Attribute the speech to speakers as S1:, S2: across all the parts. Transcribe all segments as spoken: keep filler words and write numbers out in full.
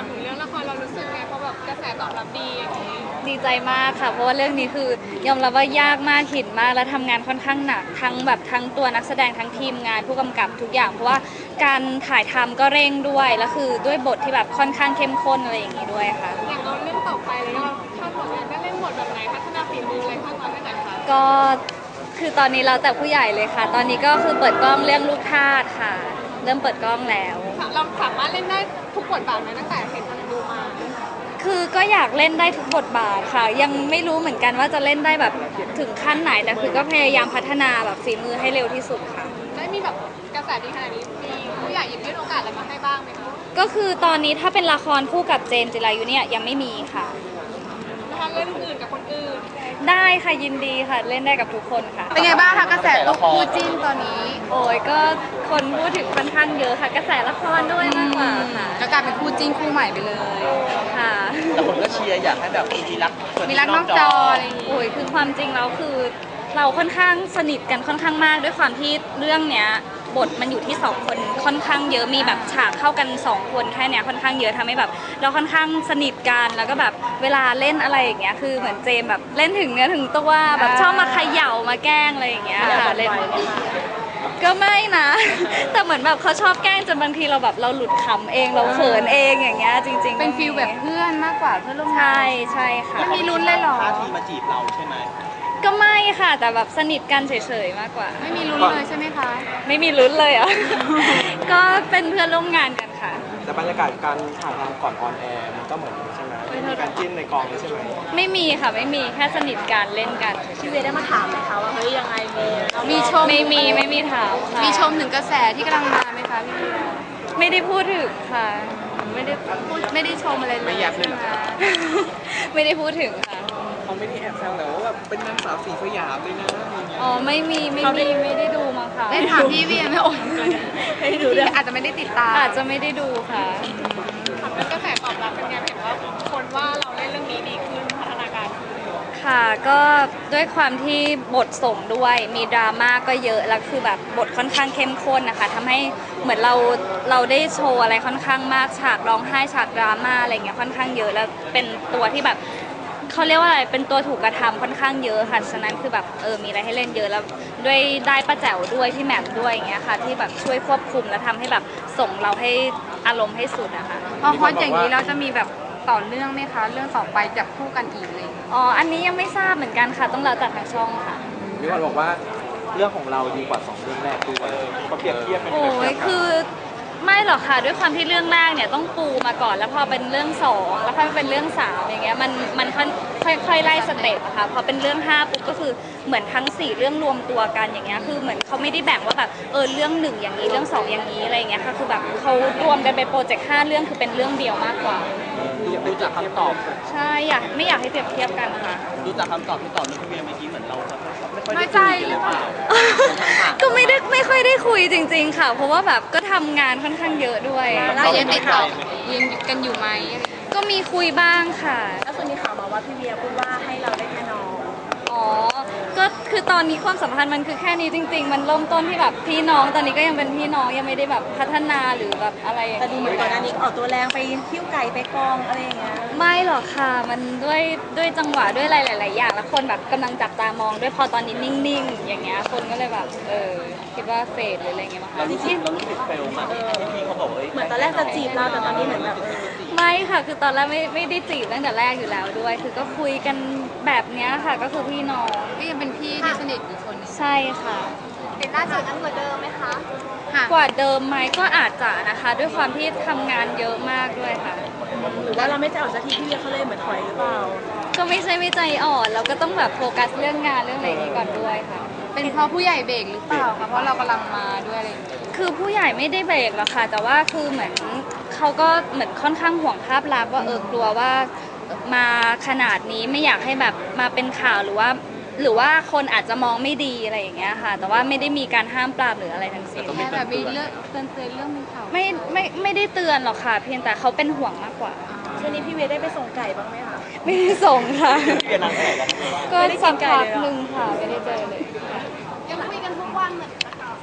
S1: ามถึงเรื่องละครเรารู้สึกไงเพราะแบบกระแสตอบรับดีอย่างนี้
S2: ดีใจมากค่ะเพราะว่าเรื่องนี้คือยอมรับว่ายากมากหินมากและทำงานค่อนข้างหนักทั้งแบบทั้งตัวนักแสดงทั้งทีมงานผู้กำกับทุกอย่างเพราะว่าการถ่ายทำก็เร่งด้วยแล้วคือด้วยบทที่แบบค่อนข้างเข้มข้นอะไรอย่างนี้ด้วยค่ะ
S1: อย่างเราเรื่องต่อไปเลยเราคาดหวังได้เล่นบทแบบไหนพัฒนาฝีมืออะไรคาดหวังได้ไหนคะ
S2: ก็คือตอนนี้เราแต่ผู้ใหญ่เลยค่ะตอนนี้ก็คือเปิดกล้องเรื่องลูกทาสค่ะเริ่มเปิดกล้องแล้ว
S1: เราสามารถเล่นได้ทุกบทบาทไหมตั้งแต่เห็นดูมา
S2: คือก็อยากเล่นได้ทุกบทบาทค่ะยังไม่รู้เหมือนกันว่าจะเล่นได้แบบถึงขั้นไหนแต่คือก็พยายามพัฒนาแบบฝีมือให้เร็วที่สุดค่ะ
S1: ได้มีแบบกระแสดีขนาดนี้มีผู้ใหญ่หยิบยื่นโอกาสอะไรมาให้บ้างไหมคะ
S2: ก็คือตอนนี้ถ้าเป็นละครคู่กับเจมส์จิรายุเนี่ยยังไม่มีค่ะ
S1: นะคะเล่นอื่นกับคนอื่น
S2: ได้ค่ะยินดีค่ะเล่นได้กับทุกคนค่ะ
S1: เป็นไงบ้างคะกระแสตุ๊กคู่จิ้นตอนนี้
S2: โอ้ยก็คนพูดถึงค่อนข้างเยอะค่ะกระแสละครด้วยมากกว่าค่ะ
S1: ก็กลายเป็นคู่จิ้นคู่ใหม่ไปเลย
S2: ค่ะ
S3: แต่คนก็เชียร์อยากให้แบบมีรัก
S1: มีรักนอกจออะไรอย่างงี้
S2: โอ้ยคือความจริงแล้วคือเราค่อนข้างสนิทกันค่อนข้างมากด้วยความที่เรื่องเนี้ยบทมันอยู่ที่สองคนค่อนข้างเยอะมีแบบฉากเข้ากันสองคนแค่เนี้ยค่อนข้างเยอะทำให้แบบเราค่อนข้างสนิทกันแล้วก็แบบเวลาเล่นอะไรอย่างเงี้ยคือเหมือนเจมแบบเล่นถึงเนื้อถึงตัวแบบชอบมาเขย่ามาแกล้งอะไรอย่างเงี้ยค่ะเล่นก็ไม่นะแต่เหมือนแบบเขาชอบแกล้งจนบางทีเราแบบเราหลุดขำเองเราเขินเองอย่างเงี้ยจริงๆ
S1: เป็นฟีลแบบเพื่อนมากกว่าเพื่อนร่วมงาน
S2: ใช่ใช่ค่ะ
S1: มีลุ้นเลยหรอ
S3: ท่าทีมาจีบเราใช่ไหม
S2: ก็ไม่ค่ะแต่แบบสนิทกันเฉยๆมากกว่า
S1: ไม่มีลุ้นเลยใช่ไหมคะ
S2: ไม่มีลุ้นเลยอ่ะ ก็เป็นเพื่อนร่วมงานกันค่ะ
S3: แต่บรรยากาศการถ่ายทำก่อนออนแอร์มันก็เหมือนใช่ไหมมีการจิ้นในกองใช่ไหม
S2: ไม่มีค่ะไม่มีแค่สนิทกันเล่นกัน
S1: พี่เวได้มาถามไหมคะว่าเฮ้ยยังไงมี
S2: มีชมไม่มีไม่มีถามค่ะ
S1: มีชมถึงกระแสที่กำลังมาไหมคะพี่เว
S2: ไม่ได้พูดถึงค่ะ
S1: ไม่ได้พูดไม่ได้ชมอะไรเลย
S3: ไม่อยากเลย
S2: ไม่ได้พูดถึงค่ะ
S3: เขาไม่ได้แอบแซวแต่ว่าแบบเป็นนางสาวสีสยามเลยนะ
S2: อ๋อไม่มีไม่มีไม่ได้ดูมั้งค่ะ
S1: ได้ถามพี่เวียไม่โอนไม่ดูเลยอาจจะไม่ได้ติดตาม
S2: อาจจะไม่ได้ดูค่ะ
S1: แล้วกระแสตอบรับเป็นไงเห็นว่าคนว่าเราเล่นเรื่องนี้ดีขึ้นพัฒนาการ
S2: ค่ะก็ด้วยความที่บทส่งด้วยมีดราม่าก็เยอะแล้วคือแบบบทค่อนข้างเข้มข้นนะคะทำให้เหมือนเราเราได้โชว์อะไรค่อนข้างมากฉากร้องไห้ฉากดราม่าอะไรเงี้ยค่อนข้างเยอะแล้วเป็นตัวที่แบบเขาเรียกว่าอะไรเป็นตัวถูกกระทำค่อนข้างเยอะค่ะฉะนั้นคือแบบเออมีอะไรให้เล่นเยอะแล้วด้วยได้ป้าแจ๋วด้วยพี่แหม่มด้วยอย่างเงี้ยค่ะที่แบบช่วยควบคุมและทำให้แบบส่งเราให้อารมณ์ให้สุดนะคะ
S1: พอพออย่างนี้เราจะมีแบบต่อเนื่องไหมคะเรื่องต่อไปจับคู่กันอีกเลย
S2: อ๋ออันนี้ยังไม่ทราบเหมือนกันค่ะต้องรอจากทางช่องค่ะ
S3: มีคนบอกว่าเรื่องของเราดีกว่าสองเรื่องแรกด้วยเขาเปรียบเทียบเป็น
S2: โอ้ยคือไม่หรอกค่ะด้วยความที่เรื่องแรกเนี่ยต้องปูมาก่อนแล้วพอเป็นเรื่องสองแล้วพอเป็นเรื่องสามอย่างเงี้ยมันมันค่อยค่อยไล่สเต็ปอะค่ะพอเป็นเรื่องห้าปุ๊บก็คือเหมือนทั้งสี่เรื่องรวมตัวกันอย่างเงี้ยคือเหมือนเขาไม่ได้แบ่งว่าแบบเออเรื่องหนึ่งอย่างนี้เรื่องสองอย่างนี้อะไรอย่างเงี้ยค่ะคือแบบเขารวมกันเป็นโปรเจกต์ห้าเรื่องคือเป็นเรื่องเดียวมากกว่า
S3: ดูจากคำตอบ
S2: ใช่อยากไม่อยากให้เปรียบเทียบกันค่ะ
S3: ดูจากคำตอบที่ตอบนี่พี่เวียเมื่อกี้เหมือนเราไม่ค่อย
S1: น้
S3: ได้
S1: อยใจ
S3: คุยหรือเปล่า
S2: ก็ไม่ได้ไม่ค่อยได้คุยจริงๆค่ะเพราะว่าแบบก็ทำงานค่อนข้างเยอะด้วย
S1: เรายังติดต่อยังกันอยู่ไหม
S2: ก็มีคุยบ้างค่ะ
S1: แล้วส่วนมีข่าวมาว่าพี่เวียพูดว่าให้เราได้แค่น้อง
S2: อ๋อก็คือตอนนี้ความสัมพันธ์มันคือแค่นี้จริงๆมันเริ่มต้นที่แบบพี่น้องตอนนี้ก็ยังเป็นพี่น้องยังไม่ได้แบบพัฒนาหรือแบบอะไรอย่างเงี้ย
S4: แต่ดูเหมือนก่อนหน้านี้ออกตัวแรงไปคิ้วไก่ไปกองอะไรอย่างเงี้ย
S2: ไม่หรอกค่ะมันด้วยด้วยจังหวะด้วยอะไรหลายๆอย่างแล้วคนแบบกำลังจับตามองด้วยพอตอนนี้นิ่งๆอย่างเงี้ยคนก็เลยแบบเออคิดว่าเฟดหรืออะไรเงี้ยมั้งคะ
S3: เรารู้สึกเรารู้สึกเฟลมากที่พี่เขาบอกว่า
S4: เหมือนตอนแรกจะจีบเราแต่ตอนนี้เหมือนแบบ
S2: ไม่ค่ะคือตอนแรกไม่ไม่ได้จีบตั้งแต่แรกอยู่แล้วด้วยคือก็คุยกันแบบเนี้ยค่ะก็คือพี่น้อง
S1: ก็ยังเป็นพี่ที่สนิทอีกคน
S2: ใช่ค่ะ
S1: เป็นหน้าจอนั้นกว่าเดิมไหมคะ
S2: กว่าเดิมไหมก็อาจจะนะคะด้วยความที่ทำงานเยอะมากด้วยค่ะ
S4: หรือว่าเราไม่จะออกสักทีพี่เวียเขาเลยเหมือนถอยหรือเปล่า
S2: ก็ไม่ใช่ไม่ใจอ่อนเราก็ต้องแบบโฟกัสเรื่องงานเรื่องอะไรนี้ก่อนด้วยค่ะ
S1: เป็นเพราะผู้ใหญ่เบรกหรือเปล่าคะเพราะเรากำลังมาด้วยอะไร
S2: คือผู้ใหญ่ไม่ได้เบรกหรอกค่ะแต่ว่าคือเหมือนเขาก็เหมือนค่อนข้างห่วงภาพลักษณ์ว่าเออกลัวว่ามาขนาดนี้ไม่อยากให้แบบมาเป็นข่าวหรือว่าหรือว่าคนอาจจะมองไม่ดีอะไรอย่างเงี้ยค่ะแต่ว่าไม่ได้มีการห้ามปรามหรืออะไรทั้งสิ้น
S1: แค่แบบมีเรื่องเตือนเตือนเรื่องมีข่าว
S2: ไม่ไม่ไม่ได้เตือนหรอกค่ะเพียงแต่เขาเป็นห่วงมากกว่า
S4: ช่วงนี้พี่เวียได้ไปส่งไก่บ้างไหมคะ
S2: ไม่ได้ส่งค่ะ
S3: เวียนางแข่ง
S2: ก็สักพักหนึ่งค่ะไม่ได้เจอเลย
S1: ยังคุยกันทุกวันเหมือน
S2: ไม่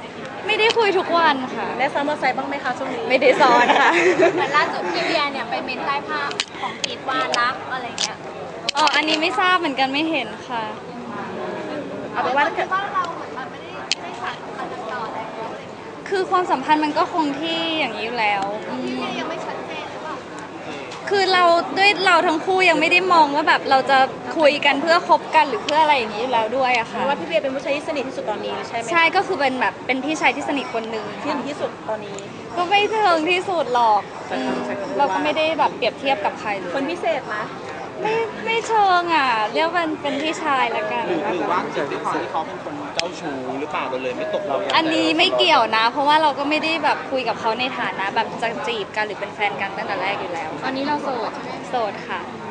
S2: ไม่ได้คุยทุกวันค่ะ
S4: ได้ซ้อมมอเตอร์ไซค์บ้างไหมคะช่วงนี้
S2: ไม่ได้ซ้อนค่ะ
S1: เหมือนล่าสุดพี่เวียเนี่ยไปเมนใต้ภาพของพีทว่ารักอะไรเงี้ย
S2: อ๋ออันนี้ไม่ทราบเหมือนกันไม่เห็นค่ะ
S4: เอาเป็นว่าถ้าเกิด
S1: ว่าเราเหมือนมันไม่ได้ไม่ได้สานสัมพันธ์กันต่อแล้วอะไรเงี้ย
S2: คือความสัมพันธ์มันก็คงที่อย่างนี้อยู่แล้วอืม
S1: พี่เวียยังไม่ชัดเจนหรือเปล่า
S2: คือเราด้วยเราทั้งคู่ยังไม่ได้มองว่าแบบเราจะคุยกันเพื่อคบกันหรือเพื่ออะไรอย่างนี้อยู่แล้วด้วยอะ
S4: เพ
S2: ค่ะ
S4: ราะว่าพี่เวียเป็นผู้ชายที่สนิทที่สุดตอนนี้ใช่ไหม
S2: ใช่ก็คือเป็นแบบเป็นพี่ชายที่สนิทคนหนึ่ง
S4: ที่สนิทที่สุดตอนนี้
S2: ก็ไม่เชิงที่สุดหรอกอืมเราก็ไม่ได้แบบเปรียบเทียบกับใครเลย
S4: คนพิเศษนะ
S2: ไม่ไม่เชิงอ่ะเรียกว่าเป็นเป็นพี่ชายละกัน
S3: หรือหรือว่าเกิดด้วยความที่เขาเป็นคนเจ้าชู้หรือเปล่าเราเลยไม่ตกเรา
S2: อันนี้ไม่เกี่ยวนะ เพราะว่าเราก็ไม่ได้แบบคุยกับเขาในฐานะแบบจะจีบกันหรือเป็นแฟนกันตั้งแต่แรกอยู่แล้ว
S1: ตอนนี้เราโสดใช่ไหม
S2: โสดค่ะ